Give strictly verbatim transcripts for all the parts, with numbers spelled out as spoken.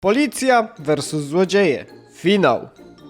Policja versus złodzieje. Finał.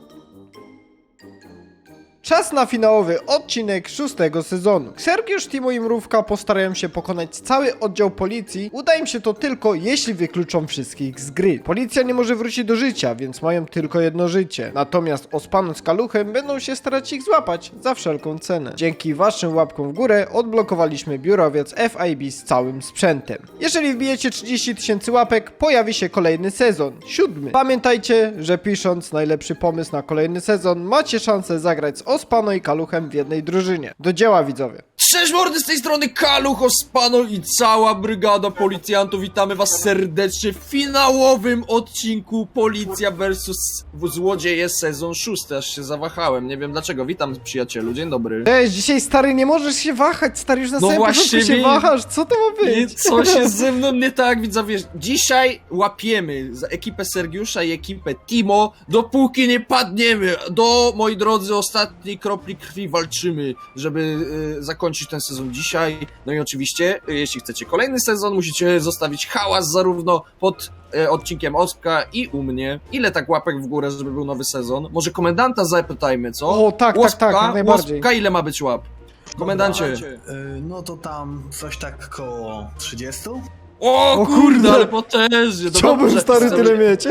Czas na finałowy odcinek szóstego sezonu. Sergiusz, Timo i Mrówka postarają się pokonać cały oddział policji. Uda im się to tylko, jeśli wykluczą wszystkich z gry. Policja nie może wrócić do życia, więc mają tylko jedno życie. Natomiast Ospano z Kaluchem będą się starać ich złapać za wszelką cenę. Dzięki waszym łapkom w górę odblokowaliśmy biurowiec F I B z całym sprzętem. Jeżeli wbijecie trzydzieści tysięcy łapek, pojawi się kolejny sezon, siódmy. Pamiętajcie, że pisząc najlepszy pomysł na kolejny sezon, macie szansę zagrać z Ospano i Kaluchem w jednej drużynie. Do dzieła, widzowie. Cześć mordy, z tej strony Kaluch, Ospano i cała brygada policjantów. Witamy was serdecznie w finałowym odcinku Policja versus Złodzieje sezon szósty. Aż się zawahałem, nie wiem dlaczego. Witam przyjacielu, dzień dobry. Cześć, dzisiaj stary, nie możesz się wahać, stary, już na No samym początku właśnie się mi- wahasz, co to ma I być? co się ze mną nie tak, widzowie? Dzisiaj łapiemy za ekipę Sergiusza i ekipę Timo, dopóki nie padniemy. Do, moi drodzy, ostatniej kropli krwi walczymy, żeby y, zakończyć ten sezon dzisiaj. No i oczywiście, y, jeśli chcecie kolejny sezon, musicie zostawić hałas zarówno pod y, odcinkiem Ospka i u mnie. Ile tak łapek w górę, żeby był nowy sezon? Może komendanta zapytajmy, co? O, tak, tak, tak, jak najbardziej. Łospka, ile ma być łap? Komendancie. Yy, no to tam coś tak koło trzydziestu? O, O kurde, kurde. ale potężnie. Chciałbym, Dobrze, stary, stary, tyle mieć.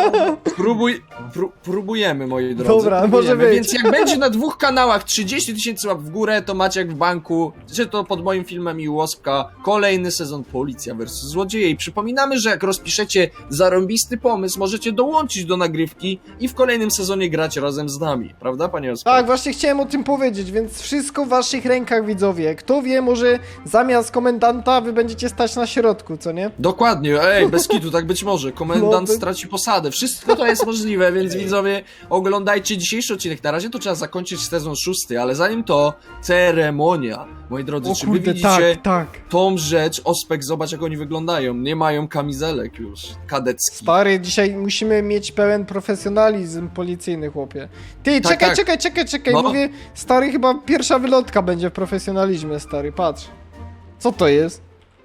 Próbuj, pró, próbujemy, moi drodzy. Dobra, próbujemy. może być. Więc jak będzie na dwóch kanałach trzydzieści tysięcy łap w górę, to macie jak w banku, czy to pod moim filmem i Łospka, kolejny sezon Policja versus Złodzieje. I przypominamy, że jak rozpiszecie zarąbisty pomysł, możecie dołączyć do nagrywki i w kolejnym sezonie grać razem z nami. Prawda, panie Ospka? Tak, właśnie chciałem o tym powiedzieć, więc wszystko w waszych rękach, widzowie. Kto wie, może zamiast komendanta wy będziecie stać na środku, co nie? Dokładnie, ej, bez kitu, tak być może. Komendant No, by- straci posadę. Wszystko to jest możliwe, więc widzowie, oglądajcie dzisiejszy odcinek. Na razie to trzeba zakończyć sezon szósty, ale zanim to, ceremonia. Moi drodzy, O czy wy kurde, widzicie tak, tak. tą rzecz? Ospek, zobacz jak oni wyglądają. Nie mają kamizelek już, kadeckich. Stary, dzisiaj musimy mieć pełen profesjonalizm policyjny, chłopie. Ty, Tak, czekaj, tak. czekaj, czekaj, czekaj, No. mówię, stary, chyba pierwsza wylotka będzie w profesjonalizmie, stary, patrz. Co to jest?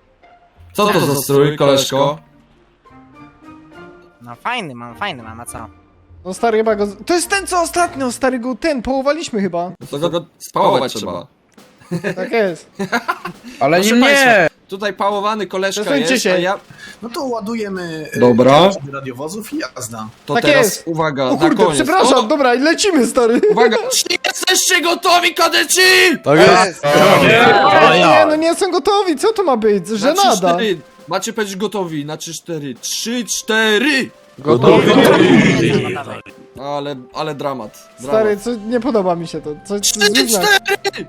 Co to za strój, koleżko? No fajny mam, fajny mam, a co? No stary, chyba go... z- To jest ten, co ostatnio, stary, go ten, połowaliśmy chyba. To go, go spałować trzeba. Tak jest. Ale Proszę nie, państwa, tutaj pałowany koleżka Przesuńcie jest, się. a ja... No to ładujemy yy, Dobra. radiowozów i jazda. To Tak teraz, jest. uwaga, O na kurde, koniec. przepraszam, O, dobra, i lecimy, stary. uwaga, czy jesteście gotowi, kadeci? tak jest. Nie, nie, no nie są gotowi, co to ma być? Na trzy, Żenada. cztery. Macie być gotowi, na trzy cztery. trzy cztery! Gotowi. Dawaj. Ale, ale dramat. Stary, dramat. co, nie podoba mi się to. Co, trzy co znak. cztery!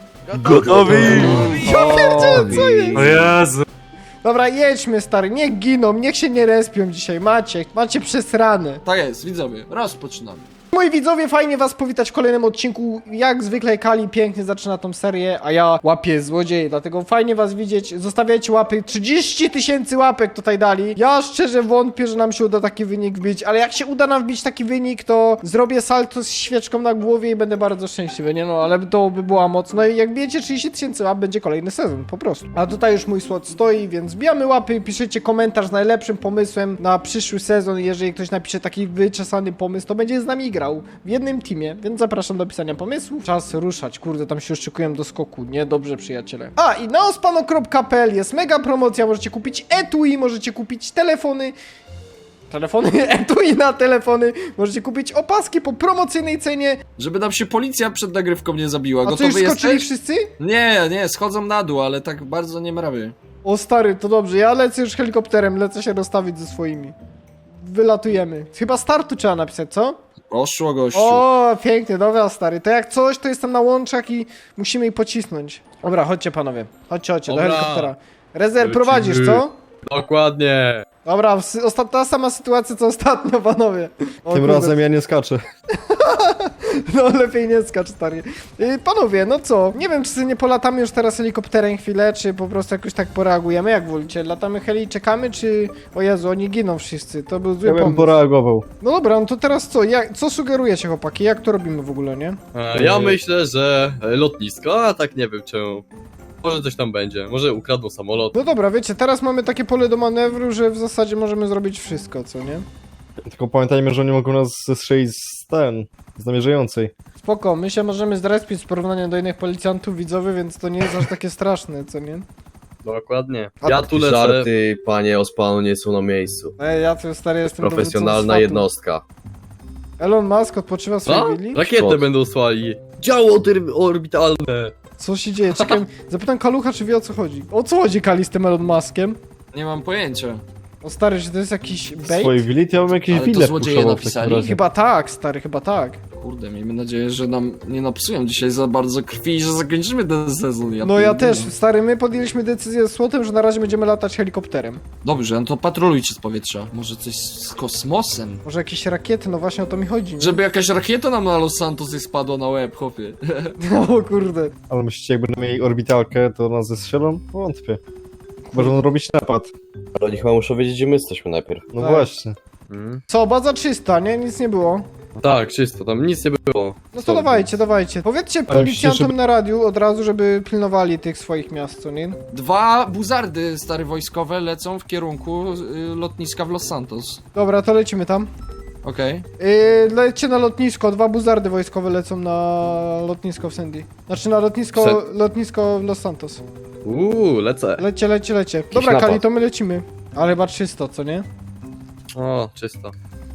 Gotowi. Ja pierdzielę, co jest? O Jezu. Dobra, jedźmy, stary, niech giną, niech się nie respią dzisiaj, macie, macie przesrane. Tak jest, widzowie, rozpoczynamy. Moi widzowie, fajnie was powitać w kolejnym odcinku. Jak zwykle Kali pięknie zaczyna tą serię, a ja łapię złodzieje, dlatego fajnie was widzieć. Zostawiajcie łapy, trzydzieści tysięcy łapek tutaj dali. Ja szczerze wątpię, że nam się uda taki wynik wbić, ale jak się uda nam wbić taki wynik, to zrobię salto z świeczką na głowie i będę bardzo szczęśliwy, nie no, ale to by była moc. No i jak bijecie trzydzieści tysięcy łap, będzie kolejny sezon, po prostu. A tutaj już mój slot stoi, więc bijamy łapy, piszecie komentarz z najlepszym pomysłem na przyszły sezon. Jeżeli ktoś napisze taki wyczesany pomysł, to będzie z nami grał w jednym teamie, więc zapraszam do pisania pomysłów. Czas ruszać, kurde, tam się już szykuję do skoku, nie? Dobrze, przyjaciele. A, i na ospano kropka p l jest mega promocja, możecie kupić etui, możecie kupić telefony, telefony, etui na telefony, możecie kupić opaski po promocyjnej cenie. Żeby nam się policja przed nagrywką nie zabiła. A co, już Gotowy skoczyli jesteś? wszyscy? Nie, nie, schodzą na dół, ale tak bardzo nie mrawy. O stary, to dobrze, ja lecę już helikopterem, lecę się rozstawić ze swoimi. Wylatujemy. Chyba startu trzeba napisać, co? Poszło, gościu. O, pięknie, dobra stary. To jak coś, to jestem na łączach i musimy ich pocisnąć. Dobra, chodźcie panowie. Chodźcie, chodźcie, do Dobra. helikoptera. Rezer, Lecimy. prowadzisz, co? Dokładnie. Dobra, sy- osta- ta sama sytuacja co ostatnio, panowie. O, Tym kurde. razem ja nie skaczę. No lepiej nie skacz, stary. Yy, panowie, no co? Nie wiem, czy sobie nie polatamy już teraz helikopterem chwilę, czy po prostu jakoś tak poreagujemy, jak wolicie. Latamy heli i czekamy, czy... O Jezu, oni giną wszyscy, to był zły Ja bym pomysł. poreagował. No dobra, no to teraz co? Jak, co sugerujecie, chłopaki? Jak to robimy w ogóle, nie? A, Ja myślę, że lotnisko, a tak nie wiem czemu. Może coś tam będzie, może ukradną samolot. No dobra, wiecie, teraz mamy takie pole do manewru, że w zasadzie możemy zrobić wszystko, co nie? Tylko pamiętajmy, że oni mogą nas zestrzelić z ten, z namierzającej. Spoko, my się możemy zrespić w porównaniu do innych policjantów widzowie, więc to nie jest aż takie straszne, co nie? Dokładnie. A Ja tu lecę. Żarty, panie Ospanu, nie są na miejscu. Ej, ja tu stary jestem Profesjonalna dowódcą jednostka. swatu. Elon Musk odpoczywa w Co? swojej willi? Rakietę Skąd? będą słali. Działo tyr- orbitalne. Co się dzieje? Czekaj, zapytam Kalucha, czy wie o co chodzi. O co chodzi, Kali, z tym Elon Muskiem? Nie mam pojęcia. O stary, czy to jest jakiś W bait? swojej willi to ja bym jakieś Ale to wille złodzieje wpuszczał w napisali? takim razie. Chyba tak, stary, chyba tak. Kurde, miejmy nadzieję, że nam nie napsują dzisiaj za bardzo krwi i że zakończymy ten sezon. No ja pierdolę. też, stary, my podjęliśmy decyzję z Słotem, że na razie będziemy latać helikopterem. Dobrze, no to patrolujcie z powietrza. Może coś z kosmosem? Może jakieś rakiety, no właśnie o to mi chodzi. Nie? Żeby jakaś rakieta nam na Los Santos nie spadła na łeb, chłopie. O kurde. Ale myślicie, jak będą mieli orbitalkę, to nas zestrzelą? Wątpię. Możą robić napad. Ale oni chyba muszą wiedzieć, gdzie my jesteśmy najpierw. No Tak. właśnie. Mm. Co, baza czysta, nie? Nic nie było. Tak, czysto, tam nic nie było. No to dawajcie, dawajcie. Powiedzcie Ale policjantom myślicie, żeby- na radiu od razu, żeby pilnowali tych swoich miast, co nie? Dwa buzardy stare wojskowe lecą w kierunku y, lotniska w Los Santos. Dobra, to lecimy tam. Okej. Yy, lecie na lotnisko, dwa buzardy wojskowe lecą na lotnisko w Sandy. Znaczy na lotnisko, Sen- lotnisko w Los Santos. Uuu, lecę. Lecie, lecie, lecie. Dobra, napad. Kali, to my lecimy. Ale chyba czysto, co nie? O, czysto.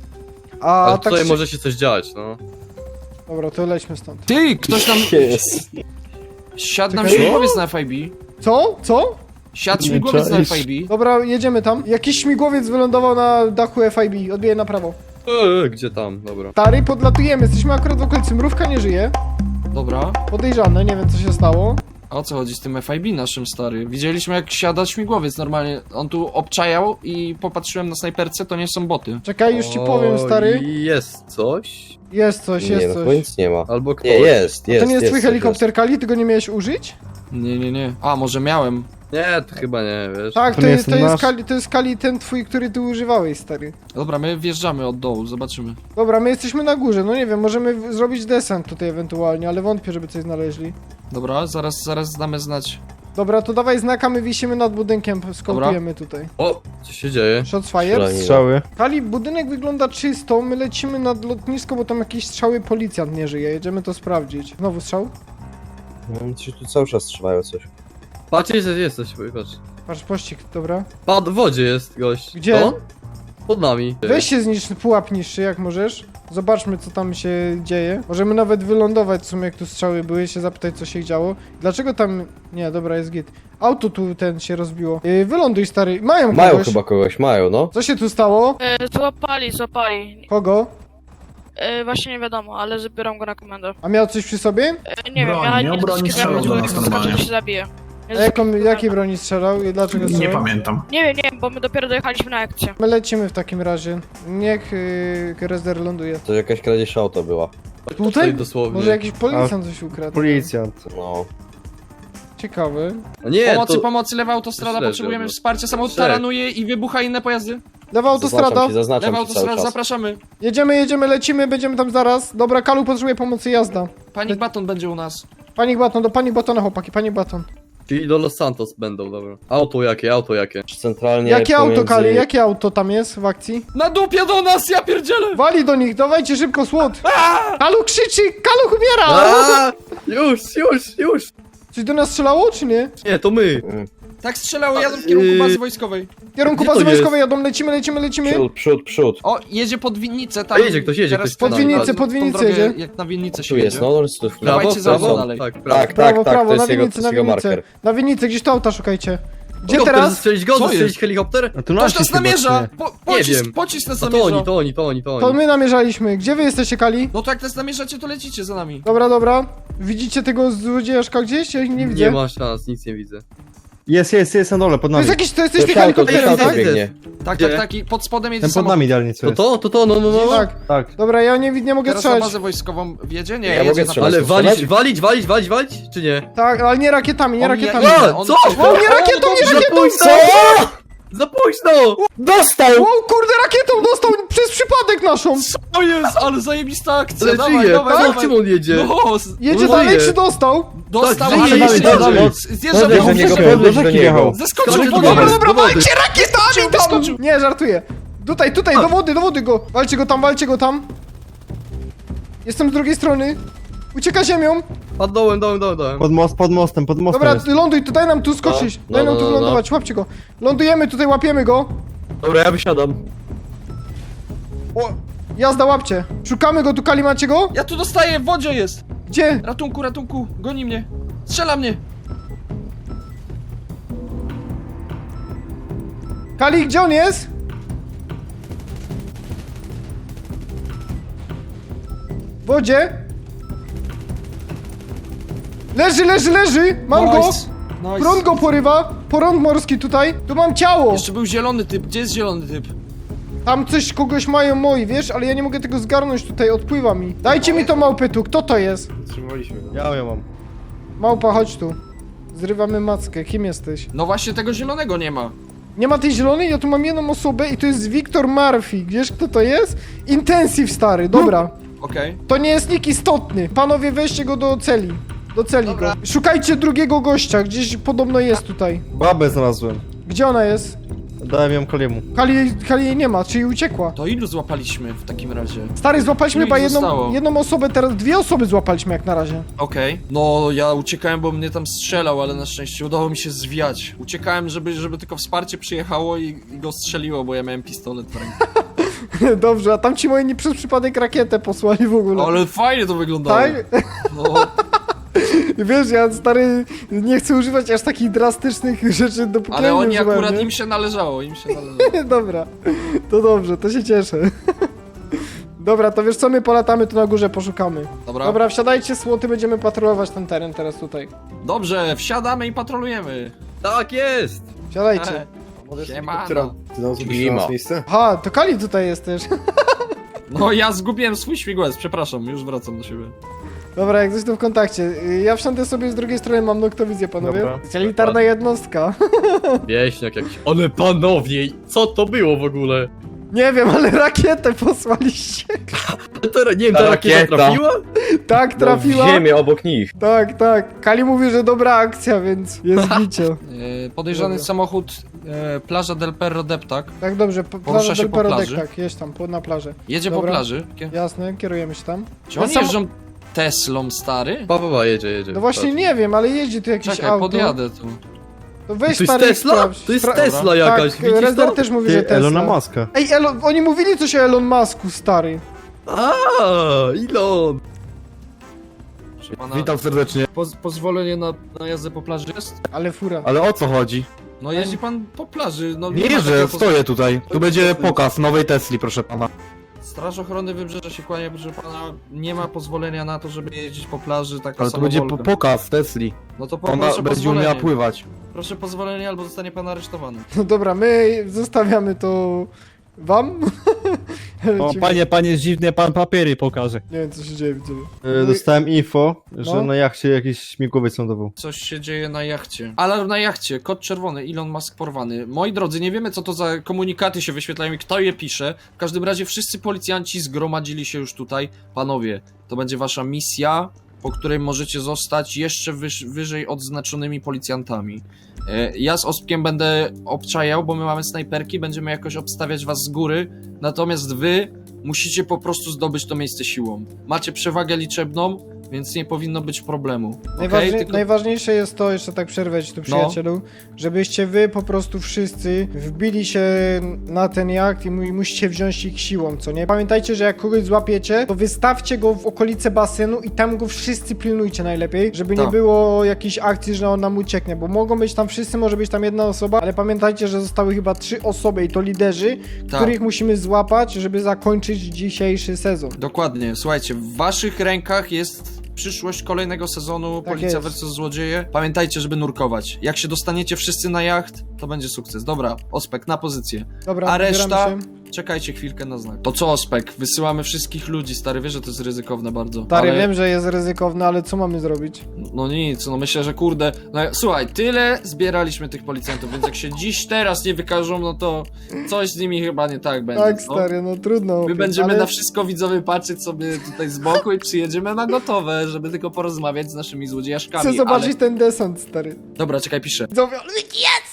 A Ale tak tutaj się... może się coś dziać, no. Dobra, to lećmy stąd. Ty, ktoś tam... Jest. Siadł nam Czekaj. śmigłowiec na F I B. Co? Co? Siadł Nie śmigłowiec na czaisz. F I B. Dobra, jedziemy tam. Jakiś śmigłowiec wylądował na dachu F I B. Odbije na prawo. Eee, gdzie tam? Dobra. Stary, podlatujemy. Jesteśmy akurat w okolicy. Mrówka nie żyje. Dobra. Podejrzane, nie wiem co się stało. A o co chodzi z tym F I B naszym, stary? Widzieliśmy jak siada śmigłowiec normalnie. On tu obczajał i popatrzyłem na snajperce, to nie są boty. Czekaj, już ci O, powiem, stary. Jest coś? Jest coś, Nie, jest no chyba coś. nic nie ma. Albo ktoś. Nie, jest, jest. To nie jest twój coś, helikopter, Kali? Ty go nie miałeś użyć? Nie, nie, nie. A, może miałem. Nie, to chyba nie, wiesz. Tak, To to, nie jest, to, jest jest nasz? Kali, to jest Kali ten twój, który ty używałeś, stary. Dobra, my wjeżdżamy od dołu, zobaczymy. Dobra, my jesteśmy na górze, no nie wiem, możemy w- zrobić desant tutaj ewentualnie, ale wątpię, żeby coś znaleźli. Dobra, zaraz, zaraz damy znać. Dobra, to dawaj znaka, my wisimy nad budynkiem, skołtujemy tutaj. O, co się dzieje? Shots fire. Strzelanie. Strzały. Kali, budynek wygląda czysto, my lecimy nad lotnisko, bo tam jakiś strzały policjant nie żyje, jedziemy to sprawdzić. Znowu strzał? No, ci tu cały czas trzymają coś. Patrz, jest, jest coś, patrz. Patrz, pościg, dobra. Pad w wodzie jest gość. Gdzie? To? Pod nami. Weź się zniszcz, pułap niższy, jak możesz. Zobaczmy, co tam się dzieje. Możemy nawet wylądować w sumie, jak tu strzały były, się zapytać, co się działo. Dlaczego tam... Nie, dobra, jest git. Auto tu ten się rozbiło. Yy, wyląduj, stary. Mają Mają kogoś. chyba kogoś, mają, no. Co się tu stało? E, złapali, złapali. Kogo? E, właśnie nie wiadomo, ale zabieram go na komendę. A miał coś przy sobie? E, nie Broń, wiem, ja miał nie broń i strzelał do nas normalnie. to się zabije. A jaką, jakiej broni strzelał i dlaczego Nie strzelał? pamiętam. Nie wiem, nie wiem, bo my dopiero dojechaliśmy na akcję. My lecimy w takim razie. Niech yy, Rezder ląduje. To jakaś kradzież auta była. Tutaj? dosłownie. Może jakiś policjant coś ukradł. Policjant. No. Ciekawy. A nie, Pomocy, to... pomocy, lewa autostrada, Śledzę, potrzebujemy no. wsparcia. Samochód Trzech. taranuje i wybucha inne pojazdy. Lewa autostrada. Zaznaczam ci, zaznaczam Lewa ci cały autostrada, czas. zapraszamy. Jedziemy, jedziemy, lecimy, będziemy tam zaraz. Dobra, Kalu potrzebuje pomocy, jazda. Panik Baton będzie u nas. Panik baton, do panik batona chłopaki, panik baton. Czyli do Los Santos będą, dobra. Auto jakie, auto jakie? Centralnie Jakie pomiędzy... auto, Kali, jakie auto tam jest w akcji? Na dupie do nas, ja pierdzielę! Wali do nich, dawajcie szybko, słod! Kalu krzyczy, Kalu umiera! A, już, już, już! Coś do nas strzelało, czy nie? Nie, to my. Tak strzelało, jadą w kierunku Yy. bazy wojskowej. W kierunku Gdzie bazy to wojskowej jadą, lecimy, lecimy, lecimy. Przód, przód, przód. O, jedzie pod winnicę A tam. jedzie ktoś, jedzie Teraz ktoś. Pod Pod winnicę, winnicę, pod tą winnicę drogę, jedzie. Jak na winnicę się Tu jedzie. jest, no, tu w Prawo, Dawajcie za mną prawo, dalej. tak, prawo. Tak, Prawo, tak, tak, prawo, to na jest jego, to winnicę, jest na jego winnicę. marker. Na winnicę, gdzieś to auta szukajcie. Gdzie Helikopter, teraz? Zestrzelić go, Co zestrzelić jest? helikopter? A tu Ktoś nasi nas chyba, namierza! czy Po, Nie pocisk, wiem. pocisk nas A to namierza. oni, to oni, to oni, to To oni. my namierzaliśmy. Gdzie wy jesteście, Kali? No to jak nas namierzacie, to lecicie za nami. Dobra, dobra. Widzicie tego złodziejaszka gdzieś? Ja ich nie widzę. Nie ma szans, nic nie widzę. Jest, jest, jest na dole, pod To nami. jest jakiś, to jest To coś jest auto, to jest helikopterem, auto tak? biegnie. Tak, Gdzie? tak, tak. I pod spodem jedzie Ten pod samochód. nami idealnie co To jest. to, to to, no, no, no. Tak. Tak. Dobra, ja nie, nie mogę Teraz na strzelać. bazę wojskową wjedzie? Nie, Ja jedzie mogę na strzelać. Ale to walić, strzelać? walić, walić, walić, walić, czy nie? Tak, ale nie rakietami, nie On rakietami. nie- A, on- co? O, nie rakietą, nie Za rakietą! późno! Za późno! Dostał! O kurde, rakietą dostał przez przypadek naszą! O jest, ale zajebista akcja, Ale dawaj, żyje, dawaj, tak? dawaj. Czym on jedzie? No, z- Jedzie No dalej żyje. czy dostał? dostał, Tak, ale żyje, jeszcze żyje, jedzie. żyje. Zjeżdża Dobra, do że niego do podnieś do rzeki niego. jechał. Zeskoczył Skoczył w do wodę. Dobra, wody, dobra, do wody. walcie rakietami tam! Wyskoczył. Nie, żartuję. Tutaj, tutaj, do wody, do wody go! Walcie go tam, walcie go tam! Jestem z drugiej strony. Ucieka ziemią. Pod dołem, dołem, dołem, dołem. Pod most, pod mostem, pod mostem Dobra, jest. ląduj, tu daj nam tu skoczyć. No, Daj no, nam tu no, no. wylądować, łapcie go. Lądujemy tutaj, łapiemy go. Dobra, ja wysiadam. O, jazda, łapcie. Szukamy go, tu Kali, macie go? Ja tu dostaję, w wodzie jest! Gdzie? Ratunku, ratunku, goni mnie! Strzela mnie! Kali, gdzie on jest? W wodzie. Leży, leży, leży! Mam go! Nice. Nice. Prąd go porywa! Porąd morski tutaj! Tu mam ciało! Jeszcze był zielony typ, gdzie jest zielony typ? Tam coś kogoś mają moi, wiesz? Ale ja nie mogę tego zgarnąć tutaj, odpływa mi. Dajcie mi to małpę tu, kto to jest? Ja ją mam. Małpa, chodź tu. Zrywamy mackę, kim jesteś? No właśnie tego zielonego nie ma. Nie ma tej zielonej? Ja tu mam jedną osobę i to jest Wiktor Murphy. Wiesz kto to jest? Intensive, stary, dobra. Okej. To nie jest nikt istotny. Panowie, weźcie go do celi. Do celi go. Szukajcie drugiego gościa, gdzieś podobno jest tutaj. Babę znalazłem. Gdzie ona jest? Dałem ją Kaliemu. Kali, Kali jej nie ma, czyli uciekła. To ilu złapaliśmy w takim razie? Stary, złapaliśmy Ilu chyba ich jedną, zostało? jedną osobę, teraz dwie osoby złapaliśmy jak na razie. Okej. No ja uciekałem, bo mnie tam strzelał, ale na szczęście udało mi się zwiać. Uciekałem, żeby, żeby tylko wsparcie przyjechało i, i go strzeliło, bo ja miałem pistolet w ręku. Dobrze, a tam ci moi nie przez przypadek rakietę posłali w ogóle. Ale fajnie to wyglądało. Tak? No, Wiesz, ja stary nie chcę używać aż takich drastycznych rzeczy, dopóki ale ja nie oni używałem, akurat nie? im się należało, im się należało. Dobra, to dobrze, to się cieszę. Dobra, to wiesz co, my polatamy tu na górze, poszukamy. Dobra. Dobra, wsiadajcie, słoty, będziemy patrolować ten teren teraz tutaj. Dobrze, wsiadamy i patrolujemy. Tak jest! Wsiadajcie. Siemano. Klima. Aha, to Kali tutaj jest też. No ja zgubiłem swój śmigłec, przepraszam, już wracam do siebie. Dobra, jak coś to w kontakcie. Y, Ja wsiądę sobie z drugiej strony, mam noktowizję, panowie. Dobra. Elitarna jednostka. Wieśniak jakiś. Ale panowie, co to było w ogóle? Nie wiem, ale rakietę posłaliście. To, nie wiem, ta Ta rakieta rakieta. trafiła? Tak, trafiła. W ziemię obok nich. Tak, tak. Kali mówi, że dobra akcja, więc jest bicie. E, podejrzany Dobra. samochód, e, plaża del Perro Deptak. Tak, dobrze, p- Porusza plaża się del po Perodek, plaży. tak, jeźdź tam, po, na plażę. Jedzie Dobra. po plaży. Kie- Jasne, kierujemy się tam. Czy oni Sam- jeżdżą Teslą, stary? Pa, pa, pa, jedzie, jedzie. No właśnie Patrz. nie wiem, ale jeździ tu jakieś Czekaj, auto. podjadę tu. To To weź jest stary, Tesla? sprawdź. To jest Spra- Tesla jakaś, Tak, widzisz Rezder to? też mówi, że Ty, Tesla. Elona Muska. Ej, Elon, oni mówili coś o Elon Musku, stary. A, Elon! Pana, Witam serdecznie. poz pozwolenie na, na jazdę po plaży jest? Ale fura. Ale o co chodzi? No jeździ pan po plaży, no Nie ma jeżdżę, takiego stoję tutaj. To Tu będzie jest- pokaz nowej Tesli, proszę pana. Straż Ochrony Wybrzeża się kłania, proszę pana, nie ma pozwolenia na to, żeby jeździć po plaży taką Ale to będzie po samowolką. pokaz Tesli. No to Ona poproszę będzie umiała pozwolenie. pływać. Proszę pozwolenie, albo zostanie pan aresztowany. No dobra, my zostawiamy to wam. O, Lecimy. panie, panie, dziwnie pan papiery pokaże. Nie wiem, co się dzieje, widzowie. E, Dostałem info, że No. na jachcie jakiś śmigłowiec lądował. Coś się dzieje na jachcie. Alarm na jachcie, kod czerwony, Elon Musk porwany. Moi drodzy, nie wiemy co to za komunikaty się wyświetlają i kto je pisze. W każdym razie wszyscy policjanci zgromadzili się już tutaj. Panowie, to będzie wasza misja, po której możecie zostać jeszcze wyż, wyżej odznaczonymi policjantami. E, Ja z Ospkiem będę obczajał, bo my mamy snajperki, będziemy jakoś obstawiać was z góry. Natomiast wy musicie po prostu zdobyć to miejsce siłą. Macie przewagę liczebną, więc nie powinno być problemu. Najważniej, Okej? Tylko... Najważniejsze jest to, jeszcze tak przerwę ci tu przyjacielu, żebyście wy po prostu wszyscy wbili się na ten jacht i mu- musicie wziąć ich siłą, co nie? Pamiętajcie, że jak kogoś złapiecie, to wystawcie go w okolice basenu i tam go wszyscy pilnujcie najlepiej, żeby nie Tak. było jakiejś akcji, że on nam ucieknie, bo mogą być tam wszyscy, może być tam jedna osoba, ale pamiętajcie, że zostały chyba trzy osoby i to liderzy, Tak. których musimy złapać, żeby zakończyć dzisiejszy sezon. Dokładnie, słuchajcie, w waszych rękach jest przyszłość kolejnego sezonu Tak Policja jest. versus Złodzieje. Pamiętajcie, żeby nurkować. Jak się dostaniecie wszyscy na jacht, to będzie sukces. Dobra, Ospek, na pozycję. Dobra, A reszta? wybieramy się. Czekajcie chwilkę na znak. To co, Ospek? Wysyłamy wszystkich ludzi, stary, wiesz, że to jest ryzykowne bardzo. Stary, ale... wiem, że jest ryzykowne, ale co mamy zrobić? No nic, no myślę, że kurde... No, słuchaj, tyle zbieraliśmy tych policjantów, więc jak się dziś teraz nie wykażą, no to coś z nimi chyba nie tak będzie. Tak, no. stary, no trudno. My będziemy ale... na wszystko widzowie patrzeć sobie tutaj z boku i przyjedziemy na gotowe, żeby tylko porozmawiać z naszymi złodziejaszkami. Chcę zobaczyć ale... ten desant, stary. Dobra, czekaj, piszę. Widzowie, ale jest!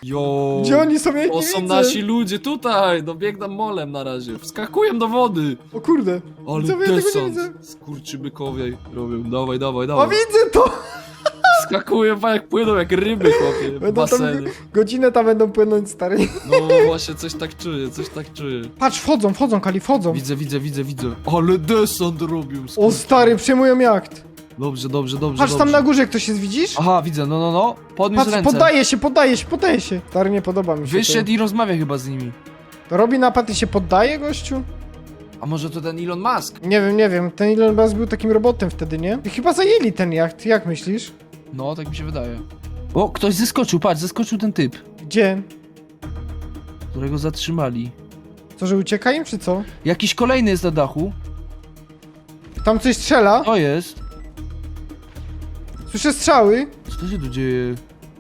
Jo. Gdzie oni są? Ja ich To nie są widzę. nasi ludzie tutaj, no biegnę molem na razie. Wskakuję do wody. O kurde. Ale Widzowie, ja tego nie desant. widzę. Skurczybykowie robią. Dawaj, dawaj, O, dawaj. widzę to! Skakuję, pa, jak płyną, jak ryby, chłopie, w Będą tam, basenie. godzinę tam będą płynąć, stary. No właśnie, coś tak czuję, coś tak czuję. Patrz, wchodzą, wchodzą, Kali, wchodzą. Widzę, widzę, widzę, widzę. Ale desant robią. O, stary, przejmują jacht. Dobrze, dobrze, dobrze, Patrz, dobrze. tam na górze ktoś jest, widzisz? Aha, widzę, no, no, no. Podniósł Patrz, ręce. poddaje się, poddaje się, poddaje się. Stary, nie podoba mi się Wyszedł i rozmawia chyba z nimi. to. To robi napad i się poddaje, gościu? A może to ten Elon Musk? Nie wiem, nie wiem. Ten Elon Musk był takim robotem wtedy, nie? I chyba zajęli ten jacht, jak myślisz? No, tak mi się wydaje. O, ktoś zeskoczył, patrz, zeskoczył ten typ, Gdzie? którego zatrzymali. Co, że ucieka im, czy co? Jakiś kolejny jest na dachu. Tam coś strzela. To jest. Słyszę strzały. Co to się tu dzieje?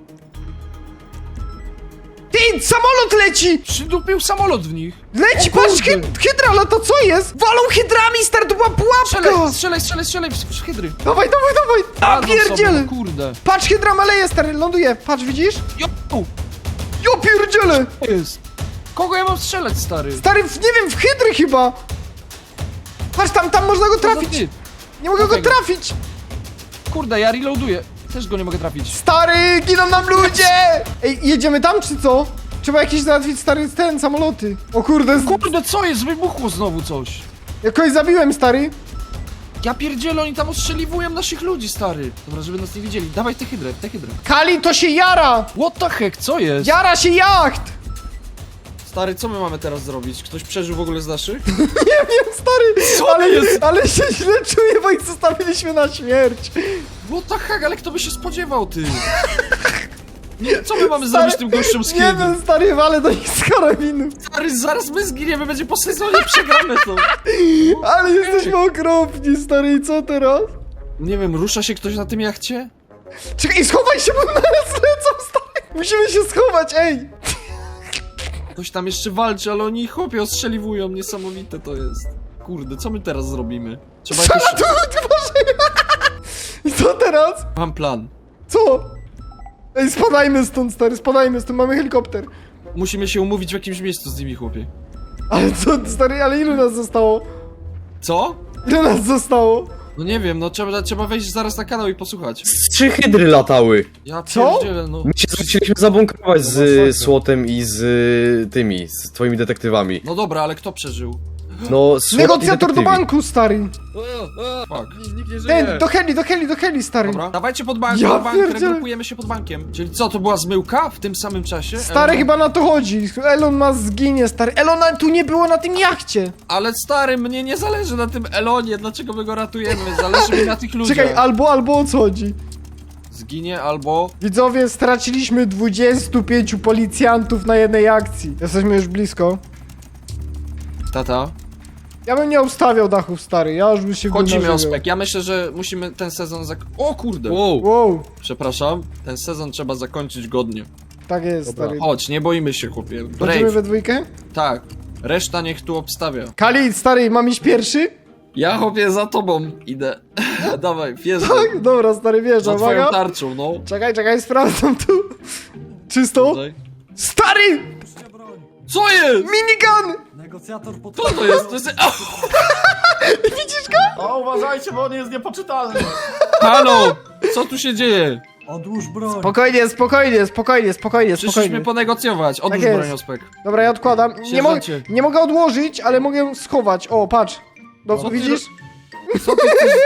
Ty, samolot leci! Przydupił samolot w nich. Leci, O kurde. patrz, hyd hydra, ale to co jest? Walą hydrami, stary, to była pułapka! Strzelaj, strzelaj, strzelaj, strzelaj, w w hydry. Dawaj, dawaj, dawaj! A Radzą sobie, pierdziele! no kurde. Patrz, hydra maleje, stary, ląduje. Patrz, widzisz? Jo, Jo, pierdziele! to jest. Kogo ja mam strzelać, stary? Stary, w, nie wiem, w hydry chyba! Patrz, tam, tam można go Co za trafić! typ? Nie mogę go Dlatego. trafić! Kurde, ja reloaduję. Też go nie mogę trafić. Stary, giną nam ludzie! Ej, jedziemy tam, czy co? Trzeba jakieś załatwić, stary, ten, samoloty. O kurde, z... Kurde, co jest? Wybuchło znowu coś. jakoś zabiłem, stary. Ja pierdzielę, oni tam ostrzeliwują naszych ludzi, stary. Dobra, żeby nas nie widzieli. Dawaj tę hydrę, tę hydrę. Kali, to się jara! What the heck, co jest? Jara się jacht! Stary, co my mamy teraz zrobić? Ktoś przeżył w ogóle z naszych? Nie wiem, stary, Co ale, jest? ale się źle czuję, bo ich zostawiliśmy na śmierć. What the heck, ale kto by się spodziewał, ty? Nie, co my mamy Stary, zrobić z tym gościem z Nie kiedy? wiem, stary, ale do nich z karabinu. Stary, zaraz my zginiemy, będzie po sezonie, przegramy to. Ale jesteśmy okropni, stary, i co teraz? Nie wiem, rusza się ktoś na tym jachcie? Czekaj, schowaj się, bo naraz lecą, stary. Musimy się schować, ej. Ktoś tam jeszcze walczy, ale oni chłopie ostrzeliwują, niesamowite to jest. Kurde, co my teraz zrobimy? Trzeba jakoś... Przelatuj, Boże. I co teraz? Mam plan. Co? Ej, spadajmy stąd, stary, spadajmy stąd, mamy helikopter. Musimy się umówić w jakimś miejscu z nimi, chłopie. Ale co, stary, ale ilu nas zostało? Co? Ile nas zostało? No nie wiem, no trzeba, trzeba wejść zaraz na kanał i posłuchać. Z trzy hydry latały. Ja Co? pierdzielę, no. My się chcieliśmy zabunkrować z y, Słotem i z y, tymi, z twoimi detektywami. No dobra, ale kto przeżył? No, Słot i Negocjator do detektywi. banku, stary. Fuck. Nikt nie Ten, do heli, do heli, do heli, stary. Dobra, dawajcie pod bank, Ja pod bank, pierdzielę. regrupujemy się pod bankiem. Czyli co, to była zmyłka w tym samym czasie? Stary, Elon- chyba na to chodzi. Elon ma zginie, stary. Elona tu nie było na tym jachcie. Ale stary, mnie nie zależy na tym Elonie, dlaczego my go ratujemy? Zależy mi na tych ludziach. Czekaj, albo, albo o co chodzi? Zginie albo... Widzowie, straciliśmy dwudziestu pięciu policjantów na jednej akcji. Jesteśmy już blisko. Tata. Ja bym nie obstawiał dachów, stary. Ja już bym się Chodzimy, wymarzył. Ospek. Ja myślę, że musimy ten sezon zak... O kurde! Wow. Wow, Przepraszam. Ten sezon trzeba zakończyć godnie. tak jest, Dobra. stary. Chodź, nie boimy się, chłopie. Chodzimy Brave. we dwójkę? Tak. Reszta niech tu obstawia. Kali, stary, mam iść pierwszy? Ja, chłopie, za tobą idę. Dawaj, wjeżdżaj. Tak, dobra, stary, Za wierzę, twoją uwaga. tarczą, no. Czekaj, czekaj, sprawdzam tu. Czysto? Tutaj. Stary! Co jest? Minigun! Negocjator pod... Co to jest? To jest... A, Widzisz go? O, uważajcie, bo on jest niepoczytalny. halo! Co tu się dzieje? Odłóż broń. Spokojnie, spokojnie, spokojnie, spokojnie, Przyszliśmy spokojnie. ponegocjować. Odłóż Tak jest. broń, Ospek. Dobra, ja odkładam. Nie, mo Sierżancie. nie mogę odłożyć, ale mogę schować. O, patrz. No, Co ty widzisz? Co ty chcesz?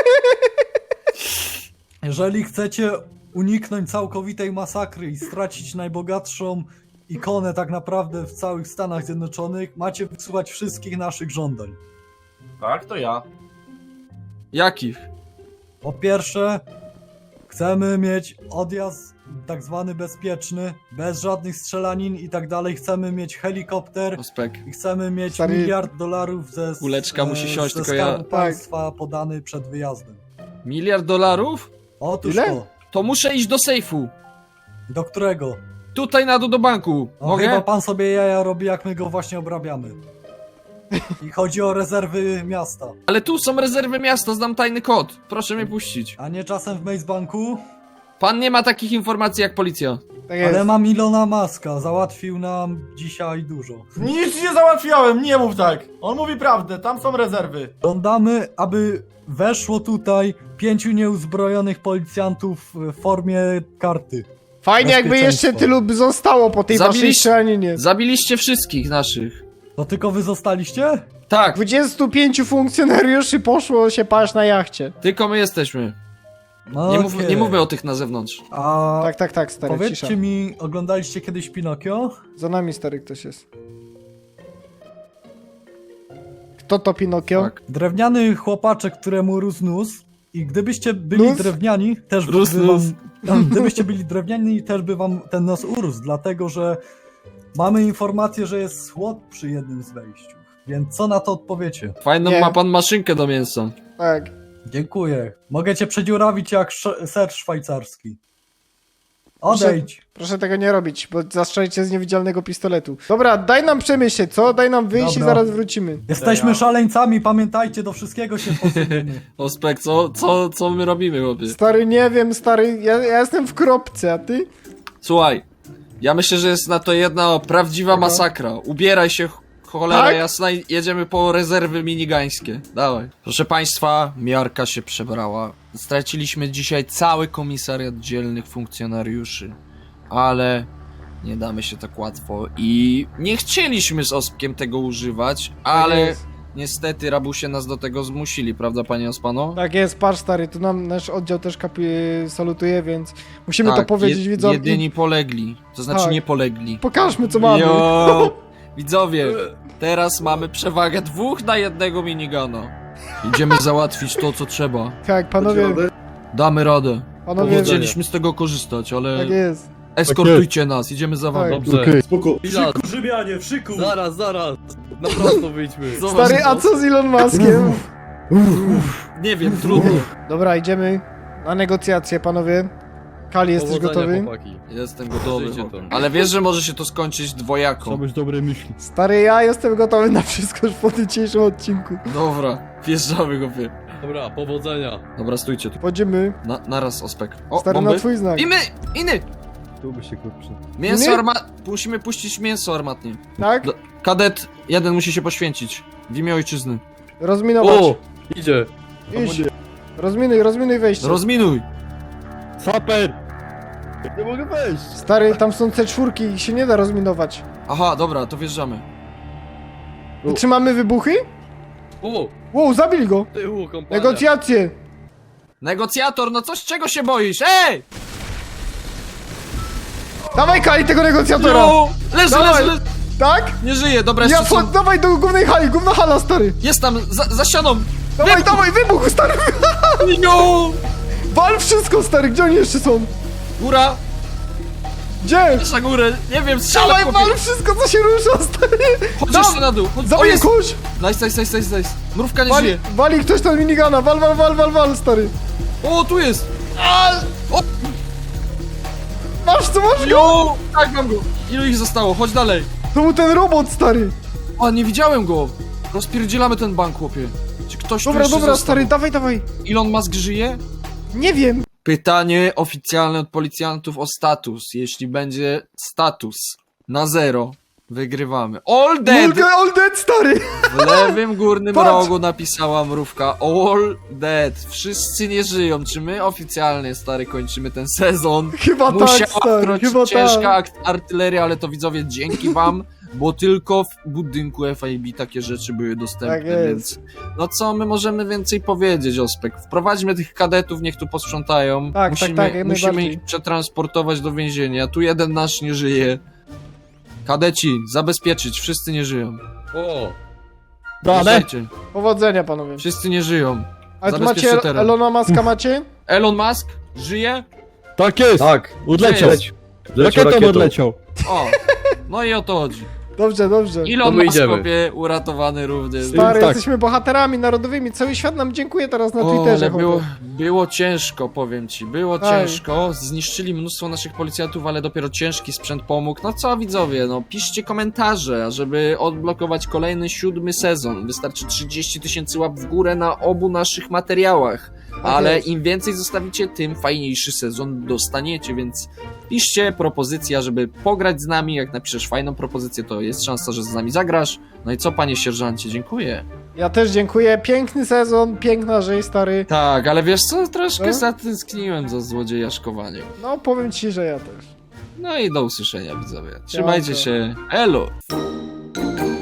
Jeżeli chcecie uniknąć całkowitej masakry i stracić najbogatszą ikonę tak naprawdę w całych Stanach Zjednoczonych, macie wysłuchać wszystkich naszych żądań. Tak, to ja. Jakich? Po pierwsze, chcemy mieć odjazd tak zwany bezpieczny, bez żadnych strzelanin i tak dalej. Chcemy mieć helikopter Ospek. i chcemy mieć Stary- miliard dolarów ze, Kuleczka musi siąść, ze tylko ja- skarbu państwa podany przed wyjazdem. Miliard dolarów? Otóż Ile? to. To muszę iść do sejfu. Do którego? Tutaj na dół do banku. O, Mogę? chyba pan sobie jaja robi, jak my go właśnie obrabiamy. I chodzi o rezerwy miasta. Ale tu są rezerwy miasta, znam tajny kod. Proszę mnie puścić. A nie czasem w Maze Banku? Pan nie ma takich informacji jak policja. Tak jest. Ale mam Ilona Maska, załatwił nam dzisiaj dużo. Nic nie załatwiałem, nie mów tak. On mówi prawdę, tam są rezerwy. Żądamy, aby weszło tutaj pięciu nieuzbrojonych policjantów w formie karty. Fajnie jakby jeszcze Bezpieczeństwo. tylu by zostało po tej waszej Zabiliście- strzelaninie. Zabiliście wszystkich naszych. To tylko wy zostaliście? Tak, dwudziestu pięciu funkcjonariuszy poszło się paść na jachcie. tylko my jesteśmy. No Nie, mów, okej. nie mówmy o tych na zewnątrz. A Tak, tak, tak, stary, powiedzcie cisza. mi, oglądaliście kiedyś Pinokio? Za nami, stary, ktoś jest. Kto to Pinokio? Tak. Drewniany chłopaczek, któremu rósł nóż. I gdybyście byli Nóż? drewniani, też by Rósł nóż. wam... Gdybyście byli drewniani, też by wam ten nos urósł, dlatego że mamy informację, że jest słod przy jednym z wejściu. Więc co na to odpowiecie? Fajną Nie. ma pan maszynkę do mięsa. Tak. Dziękuję. Mogę cię przedziurawić jak sz- ser szwajcarski. Odejdź. Proszę tego nie robić, bo zastrzelicie z niewidzialnego pistoletu. Dobra, daj nam przemyśleć, co? Daj nam wyjść Dobra. i zaraz wrócimy. Jesteśmy szaleńcami, pamiętajcie, do wszystkiego się posuniemy. Ospek, co, co, co my robimy, chłopie? Stary, nie wiem, stary, ja, ja jestem w kropce, a ty? Słuchaj, ja myślę, że jest na to jedna prawdziwa Aha. masakra. Ubieraj się, ch- cholera Tak? jasna, i jedziemy po rezerwy minigańskie. Dawaj. Proszę państwa, miarka się przebrała. Straciliśmy dzisiaj cały komisariat dzielnych funkcjonariuszy. Ale nie damy się tak łatwo i nie chcieliśmy z Ospkiem tego używać, ale jest. niestety rabusie nas do tego zmusili, prawda panie Ospano? Tak jest, patrz, stary, tu nam nasz oddział też kapi salutuje, więc musimy to Tak, powiedzieć je- widzom. Jedyni polegli, to znaczy Tak. nie polegli. Pokażmy, co mamy. Jo! Widzowie, teraz mamy przewagę dwóch na jednego minigana. Idziemy załatwić to, co trzeba. Tak, panowie, Damy radę. panowie, Chcieliśmy z tego korzystać, ale tak jest. eskortujcie nas, idziemy za wami. Tak. Dobrze. Okej. Spoko. Chwila, Grzybianie, w szyku! zaraz, zaraz. Na prosto wyjdźmy. Zobacz, Stary, a co z Elon Muskiem? Nie wiem, trudno. Dobra, idziemy na negocjacje, panowie. Kali, jesteś Powodzenia, gotowy? chłopaki. Jestem gotowy. Żyjcie to. Ale wiesz, że może się to skończyć dwojako. Trzeba być dobre myśli. Stary, ja jestem gotowy na wszystko już po dzisiejszym odcinku. Dobra, wjeżdżamy, chłopie. Dobra, powodzenia. Dobra, stójcie tu. Wchodzimy. Na, naraz, Ospek. O, Stary, bomby. na twój znak. Iny! Iny! Tu by się kurczę. Mięso Nie? armat... Musimy puścić mięso armatnie. Tak? Do- Kadet jeden musi się poświęcić. W imię ojczyzny. Rozminować. O, idzie. Idź. Rozminuj, rozminuj wejście. Rozminuj! Saper! Nie mogę wejść! Stary, tam są C cztery, ich się nie da rozminować. Aha, dobra, to wjeżdżamy. Trzymamy wybuchy? O, Wow, zabili go. tyłu, kompania. Negocjacje. Negocjator, no coś czego się boisz? Ej! Dawaj, Kali, tego negocjatora. No! Leży, Dawaj. leży, leży! Tak? Nie żyje, dobra, Ja jeszcze po, są... dawaj do głównej hali, główna hala, stary. Jest tam, za, za ścianą! Dawaj, dawaj, wybuch, stary. No! Wal wszystko, stary, gdzie oni jeszcze są? Góra! Gdzie? Na górę! Nie wiem, strzelaj, Dawaj, chłopie! wal wszystko, co się rusza, stary. Chodź Dam- jeszcze na dół! Chodź... O, Zabiję jest! kogoś. Nice, nice, nice, nice, nice. Mrówka nie Wali, żyje. wali ktoś tam minigana, wal, wal, wal, wal, wal, stary. O, tu jest! Masz co, masz go? Jo! Tak, mam go! Ilu ich zostało? Chodź dalej! To był ten robot, stary. A, nie widziałem go! Rozpierdzielamy ten bank, chłopie. Czy ktoś tu Dobra, jeszcze dobra, został? stary, dawaj, dawaj. Elon Musk żyje? Nie wiem. Pytanie oficjalne od policjantów o status. Jeśli będzie status na zero, wygrywamy. All dead! Mulga, all dead, stary. W lewym górnym Patrz! rogu napisała mrówka All dead. Wszyscy nie żyją. Czy my oficjalnie, stary, kończymy ten sezon? Chyba tak, Musiała stary, wkroczyć chyba ciężka tak. akt- artyleria, ale to widzowie dzięki wam, bo tylko w budynku F I B takie rzeczy były dostępne, Tak jest. więc no co my możemy więcej powiedzieć, Ospek? Wprowadźmy tych kadetów, niech tu posprzątają. Tak, musimy, tak, tak, jak musimy najbardziej. ich przetransportować do więzienia. Tu jeden nasz nie żyje. Kadeci, zabezpieczyć, wszyscy nie żyją. O, Dane! Wjeżdżajcie. Powodzenia, panowie. Wszyscy nie żyją. Ale tu zabezpieczcie macie teren. Elona Muska, macie? Elon Musk żyje? Tak jest! Tak. Odleciał! Leć. Leciał Rakietą rakietą. odleciał! O, no i o to chodzi. Dobrze, dobrze. Elon my Musk, idziemy. chłopie, uratowany również. Stary, Tak. jesteśmy bohaterami narodowymi. Cały świat nam dziękuję teraz na O, Twitterze. ale było, chłopie. było ciężko, powiem ci, było Tak. ciężko, zniszczyli mnóstwo naszych policjantów, ale dopiero ciężki sprzęt pomógł. No co widzowie, no piszcie komentarze, żeby odblokować kolejny siódmy sezon. Wystarczy trzydzieści tysięcy łap w górę na obu naszych materiałach. ale jest. im więcej zostawicie, tym fajniejszy sezon dostaniecie, więc piszcie propozycja, żeby pograć z nami. Jak napiszesz fajną propozycję, to jest szansa, że z nami zagrasz. No i co, panie sierżancie, dziękuję. Ja też dziękuję, piękny sezon, piękna rzeź, stary. Tak, ale wiesz co, troszkę No. zatęskniłem za złodziejaszkowaniem. No, powiem ci, że ja też. No i do usłyszenia, widzowie. Trzymajcie Dobra. się, elo!